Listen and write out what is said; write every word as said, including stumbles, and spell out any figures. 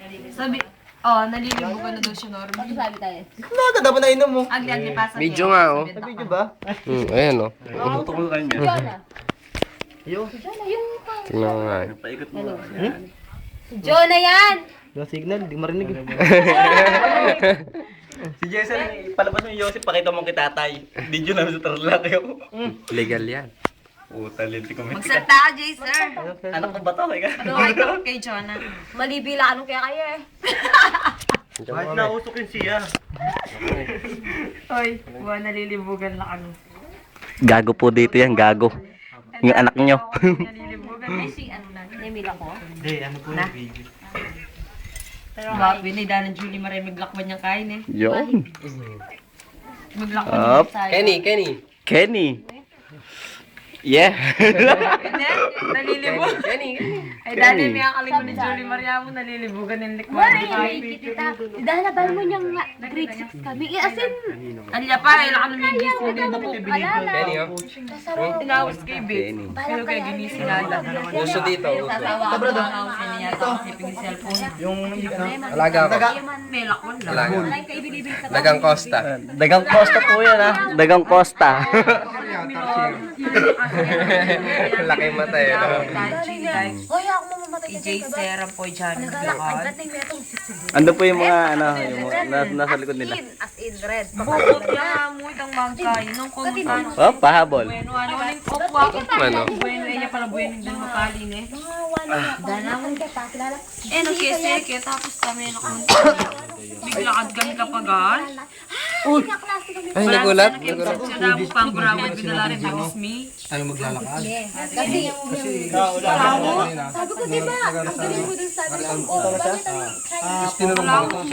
Sabi, oh, nalilibo ka na daw siya, Norm. Ano sabi tayo? Naga, dapat na inom mo. Agli, agli, pasa. Video nga, oh. Sa video ba? Hmm, ayan oh. Umutok ko kanya. Si Jonah. Yo. Si Jonah, yung pang... Tingnan mo nga eh. Paikot mo. Hello. Si Jonah yan! Yung signal, di marinig. Si Jason, palabas mo yung Yosef, pakita mo kay tatay. Video namin sa Tarlac yun. Legal yan. Puta, linti ko. Magsalta ka, Jay, sir. Anak ko ba to? Ika? Ano kay ka kay Jonah? Malibila, anong kaya kaya eh? Kahit nausok yun siya. Hoy, buwan nalilibugan lang ano. Gago po dito yan, gago. Yung anak nyo. Nalilibugan. Ay, si ano na. Nemila ko. Hindi, ano po yung video. Pero ba, binida ng Julie Marie maglakban niyang kain eh. Yun. Maglakban Up. niya tayo. Kenny, Kenny. Kenny. Yeah. Hindi, nalilibugan. Kenny, Kenny. Ay, dali may akalimon ni Julie Maria mo, nalilibugan yung likman. Why? Kita. Dahil bal mo niyang grade six kami. Eh, as in, Alya pa, ilang ano may gis mo din ako. alala. Kenny, oh. Tinawas kay Big. Pero Balang kaya kaya. ginising nada. Uso dito, uso. Sasawa ako mga house niya yata kasi ping cellphone. Yung Alaga ako. May lakwan lang. Alaga. Alay ka ibilibig sa Dagang Costa. Dagang Costa po yan ha. Dagang Costa. Laki mata eh. no? Hoy, ako mamamatay J. Seram po dyan. Naglalakad na yung metong sisig. Ando po yung mga ano, yung mga, na- nasa likod nila. As in, red. Bukot niya mo itang mangkay. Nung kumutan. Oh, pahabol. Bueno, ano, aling kopwa. Ano? Bueno, iya pala bueno yung dun makalin eh. Mga wala. Danaman ka pa, kilala. Eh, nagkiseke, tapos kami nakunta. Bigla kami kapagan. Uy! Kaklase kami. Ay, nagulat. Nagulat. Siya na mo pang burawad, binala rin ako me. Kasi yung... Sabi ko, di ba? Ang galing mo dun sabi ko, oh, bakit ang Chinese? Tinanong ko